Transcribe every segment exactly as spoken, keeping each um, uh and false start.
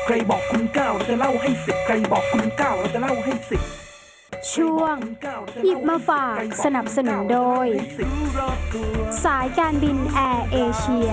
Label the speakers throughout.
Speaker 1: ใครบอกคุณเก้าเราจะเล่าให้สิบใครบอกคุณเก้าเราจะเล่าให้สิบ
Speaker 2: ช่วงหยิบมาฝากสนับสนุนโดยสายการบินแอร์เอเชีย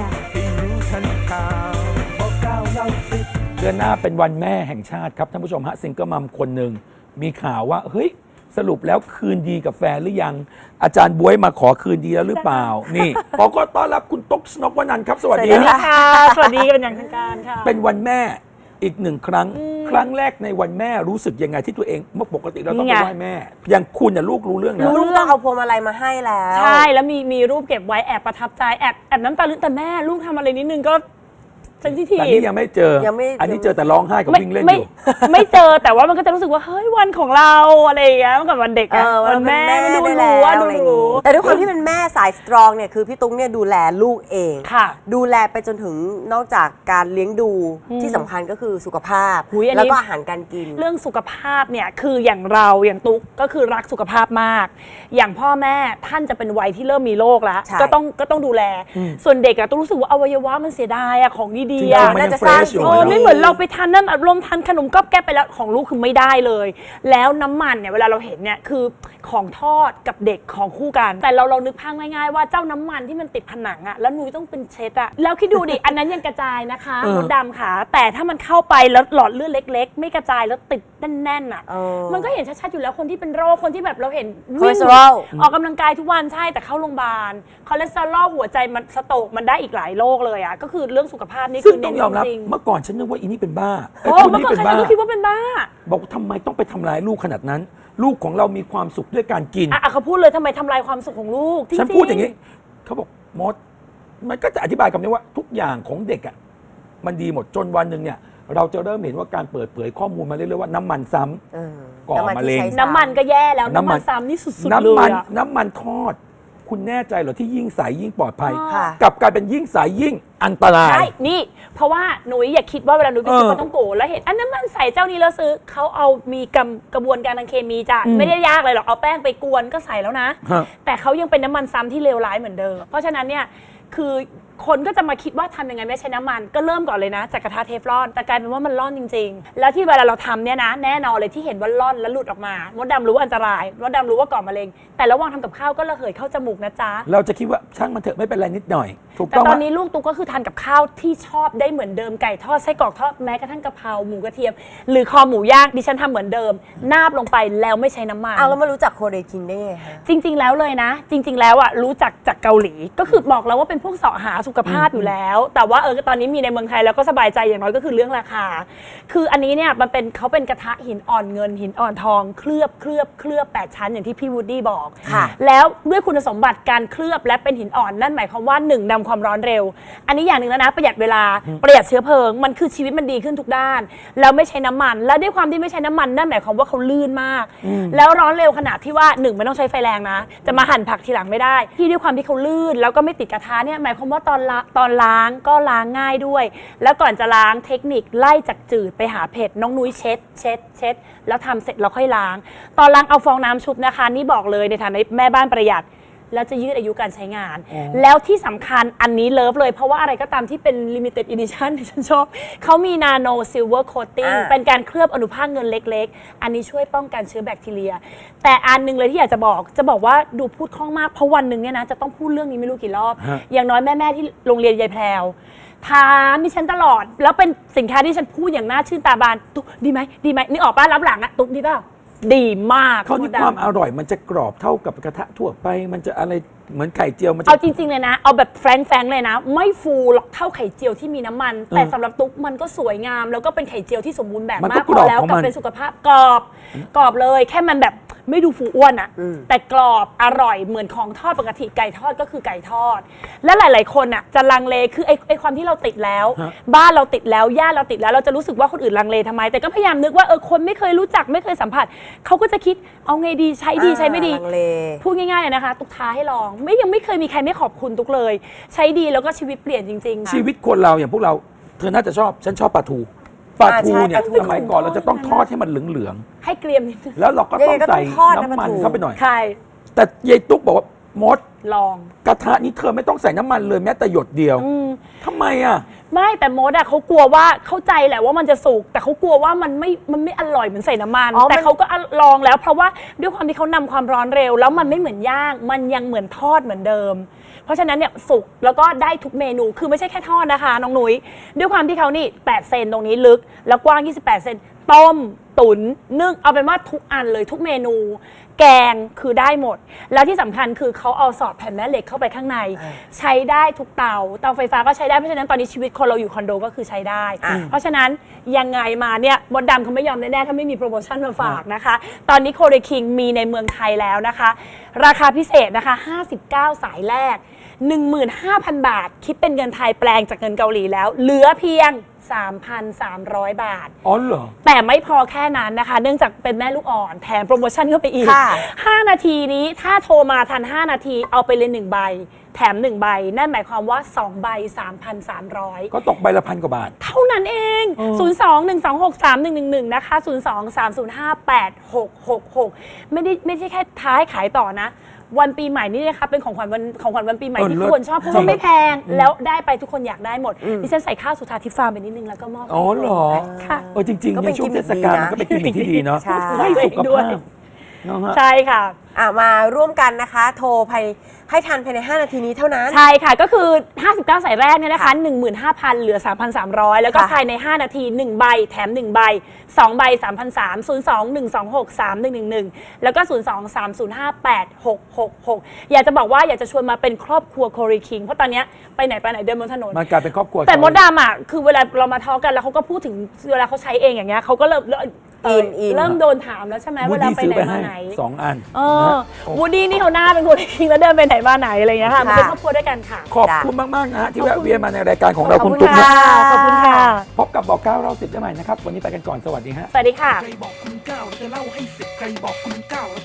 Speaker 3: เดือนหน้าเป็นวันแม่แห่งชาติครับท่านผู้ชมฮะซิงเกิลมัมคนหนึ่งมีข่าวว่าเฮ้ยสรุปแล้วคืนดีกับแฟนหรือยังอาจารย์บ๊วยมาขอคืนดีแล้วหรือเปล่านี่ขอต้อนรับคุณตุ๊กชนกวนันท์ครับสวัสดี
Speaker 4: ค่ะสวัสดีเป็นอย่างทางการค่ะ
Speaker 3: เป็นวันแม่อีกหนึ่งครั้งครั้งแรกในวันแม่รู้สึกยังไงที่ตัวเองเมื่อปกติเราต้องไปไหว้แม่อย่างคุณน่ะลูกรู้เรื่องแล้ว
Speaker 4: ลูก
Speaker 5: ต้องเอาพวงมาลัยมาให้แล้ว
Speaker 4: ใช่แล้วมีมีรูปเก็บไว้แอบประทับใจแอบแอบน้ำตาลึกแต่แม่ลูกทำอะไรนิดนึงก็เซนซิทีฟ
Speaker 3: แต่นี่ยังไม่เจออันนี้เจอแต่ร้องไห้กับวิ่งเล่นอยู่
Speaker 4: ไม่เจอแต่ว่ามันก็จะรู้สึกว่าเฮ้ยวันของเราอะไรอย่างเงี้ยเมื่อก่อนวันเด็กอะวันแม่ดูรู้ว่าดูรู้
Speaker 5: แต่ด้วยความที่เป็นแม่สายสตรองเนี่ยคือพี่ตุ๊กเนี่ยดูแลลูกเองดูแลไปจนถึงนอกจากการเลี้ยงดูที่สำคัญก็คือสุขภาพแล้วก็อาหารการกิน
Speaker 4: เรื่องสุขภาพเนี่ยคืออย่างเราอย่างตุ๊กก็คือรักสุขภาพมากอย่างพ่อแม่ท่านจะเป็นวัยที่เริ่มมีโรคแล้วก็ต้องก็ต้องดูแลส่วนเด็กอะต้องรู้สึกว่าอวัยวะมันเสียดายอะของดีๆ
Speaker 3: น่าจะสร้าง
Speaker 4: โอ้ไม่เหมือนเราไปทานนั่นอารมณ์ทานขนมก๊อบแก๊บไปแล้วของลูกคือไม่ได้เลยแล้วน้ำมันเนี่ยเวลาเราเห็นเนี่ยคือของทอดกับเด็กของคู่กันแต่เราเรานึกภาพง่ายๆว่าเจ้าน้ำมันที่มันติดผนังอะแล้วนุ้ยต้องเป็นเช็ดอะแล้วคิดดูดิอันนั้นยังกระจายนะคะมดดำค่ะแต่ถ้ามันเข้าไปแล้วหลอดเลือดเล็กๆไม่กระจายแล้วติดแน่นๆอะมันก็เห็นชัดๆอยู่แล้วคนที่เป็นโรคคนที่แบบเราเห็นวิ่งออกกำลังกายทุกวันใช่แต่เข้าโรงพยาบาลคอเลสเตอรอลหัวใจมันสโตรกมันได้อีกหลายโรคเลยอะก็คือเรื่องสุขภาพนี่คือ
Speaker 3: ต้องยอมรับเมื่อก่อนฉันนึกว่าอีนี่เป็นบ้า
Speaker 4: โอ้เมื่อก่อนใครๆก็คิดว่าเป็นบ้า
Speaker 3: บอกทำไมต้องไปทำร้ายลูกขนาดนั้นลูกของเรามีความสุขด้วยการกิน
Speaker 4: อ่ะเขาพูดเลยทำไมทำลายความสุขของลูก
Speaker 3: ฉันพูดอย่างนี้เขาบอกมดมันก็จะอธิบายคำนี้ว่าทุกอย่างของเด็กอ่ะมันดีหมดจนวันหนึ่งเนี่ยเราจะเริ่มเห็นว่าการเปิดเผยข้อมูลมาเรื่อยๆว่าน้ำมันซ้ำก่อมะเร็ง
Speaker 4: น้ำมันก็แย่แล้วน้ำมันซ้ำนี่สุดๆเลย
Speaker 3: น้ำมันน้ำมันทอดคุณแน่ใจเหรอที่ยิ่งใสยิ่งปลอดภัยกลับกลายเป็นยิ่งใสยิ่งอันตราย
Speaker 4: ใช่นี่เพราะว่าหนูอย่าคิดว่าเวลาหนูไปซื้อปลาต้องโกแล้วเห็นอันนั้นมันใส่เจ้านี้แล้วซื้อเขาเอามีกำกระบวนการทางเคมีจ้ะไม่ได้ยากเลยหรอกเอาแป้งไปกวนก็ใส่แล้วนะแต่เขายังเป็นน้ำมันซ้ำที่เลวร้ายเหมือนเดิมเพราะฉะนั้นเนี่ยคือคนก็จะมาคิดว่าทำยังไงไม่ใช้น้ำมันก็เริ่มก่อนเลยนะจากกระทะเทฟลอนแต่กลายเป็นว่ามันร่อนจริงๆแล้วที่เวลาเราทำเนี่ยนะแน่นอนเลยที่เห็นว่าร่อนแล้วหลุดออกมามดดำรู้ว่าอันตรายมดดำรู้ว่าก่อมะเร็งแต่ระหว่างทำกับข้าวก็ระเหยเข้าจมูกนะจ๊ะ
Speaker 3: เราจะคิดว่าช่างมันเถอะไม่เป็นไรนิดหน่อยถูก
Speaker 4: ต้องแต่ตอนนี้ลูกตุ๊กก็คือทานกับข้าวที่ชอบได้เหมือนเดิมไก่ทอดไส้กรอกทอดแม้กระทั่งกะเพราหมูกระเทียมหรือคอหมูย่างดิฉันทำเหมือนเดิมนาบลงไปแล้วไม่ใช้น้ำมัน
Speaker 5: เอาแล้วมารู้จักโคเรคินได้ไงคะ
Speaker 4: จริงๆแล้วเลยนะ จริง ๆแล้วอ่ะรู้จักจากเกาหลีก็คือบอกแล้วว่าเป็นพวกเสาะหาสุขภาพอยู่แล้วแต่ว่าเออตอนนี้มีในเมืองไทยแล้วก็สบายใจอย่างน้อยก็คือเรื่องราคาคืออันนี้เนี่ยมันเป็นเขาเป็นกระทะหินอ่อนเงินหินอ่อนทองเคลือบเคลือบเคลือบแปดชั้นอย่างที่พี่วูดดี้บอกแล้วด้วยคุณสมบัติการเคลือบและเป็นหินอ่อนนั่นหมายความว่าหนึ่งนำความร้อนเร็วอันนี้อย่างหนึ่งแล้วนะประหยัดเวลาประหยัดเชื้อเพลิงมันคือชีวิตมันดีขึ้นทุกด้านแล้วไม่ใช้น้ำมันและด้วยความที่ไม่ใช้น้ำมันนั่นหมายความว่าเขาลื่นมากแล้วร้อนเร็วขนาดที่ว่าหนึ่งไม่ต้องใช้ไฟแรงนะจะมาหั่นผักทีหลังไม่ได้ที่ด้วยความที่เขาลื่นแล้วก็ไม่ติดกระทะเนี่ยหมายความว่าตอนตอนล้างก็ล้างง่ายด้วยแล้วก่อนจะล้างเทคนิคไล่จากจืดไปหาเผ็ดน้องนุ้ยเช็ดเช็ดเช็ดแล้วทำเสร็จเราค่อยล้างตอนล้างเอาฟองน้ำชุบนะคะนี่บอกเลยในฐานะแม่บ้านประหยัดแล้วจะยืดอายุการใช้งานแล้วที่สำคัญอันนี้เลิฟเลยเพราะว่าอะไรก็ตามที่เป็น limited edition ที่ฉันชอบเขามี nano silver coating เป็นการเคลือบอนุภาคเงินเล็กๆอันนี้ช่วยป้องกันเชื้อแบคทีเรียแต่อันนึงเลยที่อยากจะบอกจะบอกว่าดูพูดคล่องมากเพราะวันหนึ่งเนี่ยนะจะต้องพูดเรื่องนี้ไม่รู้กี่รอบอย่างน้อยแม่ๆที่โรงเรียนยายแพรวถามดิฉันตลอดแล้วเป็นสินค้าที่ฉันพูดอย่างน่าชื่นตาบานตุ๊กดีไหมดีไหมนึกออกป่ะรับหลังอะตุ๊กดีเปล่าดีมาก
Speaker 3: เขาที่ความอร่อยมันจะกรอบเท่ากับกระทะทั่วไปมันจะอะไรเหมือนไข่เจียวมันจะ
Speaker 4: เอาจริงๆเลยนะเอาแบบแฟรงๆเลยนะไม่ฟูหรอกเท่าไข่เจียวที่มีน้ำมันแต่สำหรับตุ๊กมันก็สวยงามแล้วก็เป็นไข่เจียวที่สมบูรณ์แบบมากพอแล้วกับเป็นสุขภาพกรอบกรอบเลยแค่มันแบบไม่ดูฟูอ้วนอะแต่กรอบอร่อยเหมือนของทอดปกติไก่ทอดก็คือไก่ทอดและหลายๆคนอะจะลังเลคือไอ้ไอ้ความที่เราติดแล้วบ้านเราติดแล้วญาติเราติดแล้วเราจะรู้สึกว่าคนอื่นลังเลทำไมแต่ก็พยายามนึกว่าเออคนไม่เคยรู้จักไม่เคยสัมผัสเขาก็จะคิดเอาไงดีใช้ดีใช้ไม่ดีพูดง่ายๆเลยนะคะตุ๊กท้าให้ลองไม่ยังไม่เคยมีใครไม่ขอบคุณตุ๊กเลยใช้ดีแล้วก็ชีวิตเปลี่ยนจริงๆ
Speaker 3: ชีวิตคนเราอย่างพวกเราเธอน่าจะชอบฉันชอบปลาทูปลาทูเนี่ยสมัยก่อนเราจะต้องทอดให้มันเหลือง
Speaker 4: ๆให้เกรียมนิดนึง
Speaker 3: แล้วเราก็ต้องใส่น้ำมันเข้าไปหน่อย
Speaker 4: ใช่
Speaker 3: แต่ยายตุ๊กบอกว่ามด
Speaker 4: ลอง
Speaker 3: กระทะนี้เธอไม่ต้องใส่น้ำมันเลยแม้แต่หยดเดียวทำไมอ่ะ
Speaker 4: ไม่แต่มดอะเขากลัวว่าเข้าใจแหละว่ามันจะสุกแต่เขากลัวว่ามันไม่มันไม่อร่อยเหมือนใส่น้ำมัน
Speaker 5: อ๋อ
Speaker 4: แต่
Speaker 5: มัน
Speaker 4: เขาก็ลองแล้วเพราะว่าด้วยความที่เขานำความร้อนเร็ว แล้วมันไม่เหมือนย่างมันยังเหมือนทอดเหมือนเดิม เพราะฉะนั้นเนี่ยสุกแล้วก็ได้ทุกเมนูคือไม่ใช่แค่ทอดนะคะน้องหนุยด้วยความที่เขานี่แปดเซนตรงนี้ลึกแล้วกว้างยี่สิบแปดเซนต้มตุ๋นนึ่งเอาเป็นว่าทุกอันเลยทุกเมนู แกงคือได้หมด แล้วที่สำคัญคือเขาเอาสอดแผ่นแม่เหล็กเข้าไปข้างใน ใช้ได้ทุกเตาเตาไฟฟ้าก็ใช้ได้เพราะฉะนั้นตอนนี้ชีวิตคนเราอยู่คอนโดก็คือใช้ได้ เพราะฉะนั้นยังไงมาเนี่ยมดดำเขาไม่ยอมแน่ๆถ้าไม่มีโปรโมชั่นมาฝากนะคะตอนนี้โคเรคิงมีในเมืองไทยแล้วนะคะราคาพิเศษนะคะห้าสิบเก้าสายแรก หนึ่งหมื่นห้าพัน บาทคิดเป็นเงินไทยแปลงจากเงินเกาหลีแล้วเหลือเพียง สามพันสามร้อย บาท
Speaker 3: อ๋อเหรอ
Speaker 4: แต่ไม่พอแค่นั้นนะคะ เนื่องจากเป็นแม่ลูกอ่อนแถมโปรโมชั่นเข้าไปอีก
Speaker 5: ค่ะ
Speaker 4: ห้า นาทีนี้ถ้าโทรมาทัน ห้า นาทีเอาไปเลยหนึ่งใบ แถมหนึ่งใบ นั่นหมายความว่าสองใบ สามพันสามร้อย
Speaker 3: ก็ตกใบละพันกว่าบาท
Speaker 4: เท่านั้นเอง ศูนย์ สอง หนึ่ง สอง หก สาม หนึ่ง หนึ่ง หนึ่ง นะคะ ศูนย์ สอง สาม ศูนย์ ห้า แปด หก หก หก ไม่ได้ไม่ใช่แค่ท้ายขายต่อนะ วันปีใหม่นี่นะคะเป็นของขวัญวันของขวัญวันปีใหม่
Speaker 3: เออ
Speaker 4: ที่
Speaker 3: เลิ
Speaker 4: ทุ
Speaker 3: ศ
Speaker 4: กคนชอบเพราะว่าไม่แพง แล้วได้ไปทุกคนอยากได้หมดดิฉันใส่ข้าวสุธาทิพย์ฟาร์มไปนิดนึงแล้วก็มอบ
Speaker 3: อ๋อเหรอ
Speaker 4: ค่ะ
Speaker 3: เออจริงๆ
Speaker 5: ก็เป็
Speaker 3: ใน
Speaker 5: น
Speaker 3: ช่วง
Speaker 5: กิมมิ
Speaker 3: เท
Speaker 5: ค
Speaker 3: ศกาล
Speaker 5: ดีนะ
Speaker 3: มันก็เป็นกิมมิคที่ดีเนาะ
Speaker 5: ใช่
Speaker 3: ให้สุข
Speaker 4: ด้วย
Speaker 3: ภาพเนาะฮะ
Speaker 4: ใช่ค่ะ
Speaker 5: อ่ะมาร่วมกันนะคะ โทรภายให้ทันภายใน ห้า นาทีนี้เท่านั้น
Speaker 4: ใช่ค่ะ ก็คือ ห้าสิบเก้า สายแรกเนี่ยนะคะ หนึ่งหมื่นห้าพัน เหลือ สามพันสามร้อย แล้วก็
Speaker 5: ค่ะ
Speaker 4: ภายใน ห้า นาที หนึ่ง ใบ แถม หนึ่ง ใบ สอง ใบ สามพันสามร้อย ศูนย์ สอง หนึ่ง สอง หก สาม หนึ่ง หนึ่ง หนึ่ง แล้วก็ ศูนย์ สอง สาม ศูนย์ ห้า แปด หก หก หก อยากจะบอกว่าอยากจะชวนมาเป็นครอบครัวโคเรคิง เพราะตอนเนี้ยไปไหนไปไหนเดินบนถนน
Speaker 3: มันกลายเป็นครอบครัว
Speaker 4: แต่มดดำอ่ะคือเวลาเรามาทอล์กกันแล้วเขาก็พูดถึงเวลาเขาใช้เองอย่างเงี้ยเขาก็เริ่มเริ่มเ
Speaker 5: อินอิน
Speaker 4: เริ่มโดนถามแล้วใช่ไหม
Speaker 3: วู
Speaker 4: เว
Speaker 3: ด
Speaker 4: ลา
Speaker 3: ดี้
Speaker 4: ไป
Speaker 3: ซื้อ
Speaker 4: ไหน
Speaker 3: ไป
Speaker 4: มา
Speaker 3: ให้
Speaker 4: ไหน
Speaker 3: สองอัน
Speaker 4: เออ
Speaker 3: นะฮะ
Speaker 4: วูดดี้นี่เขาหน้าเป็นคนคิงแล้วเดินไปไหนมาไหนอะไรอย่างเงี้ยค่ะมันเป็น
Speaker 5: ค่ะ
Speaker 4: ครอบครัวด้วยกันค่ะ
Speaker 3: ขอบคุณมาก ๆ นะฮะที่แวะเวียนมาในรายการของเรา
Speaker 4: ขอบ
Speaker 3: คุณ
Speaker 4: คุณ
Speaker 3: ตุ๊กนะ
Speaker 4: ค่ะขอบคุณค่ะ
Speaker 3: พบกับบอกเก้าเราสิบได้ใหม่นะครับ วันนี้ไปกันก่อนสวัสดีฮะ
Speaker 4: สวัสดีค่ะ
Speaker 1: ใครบอกคุณเก้าเราจะเล่าให้สิบใครบอกคุณเก้า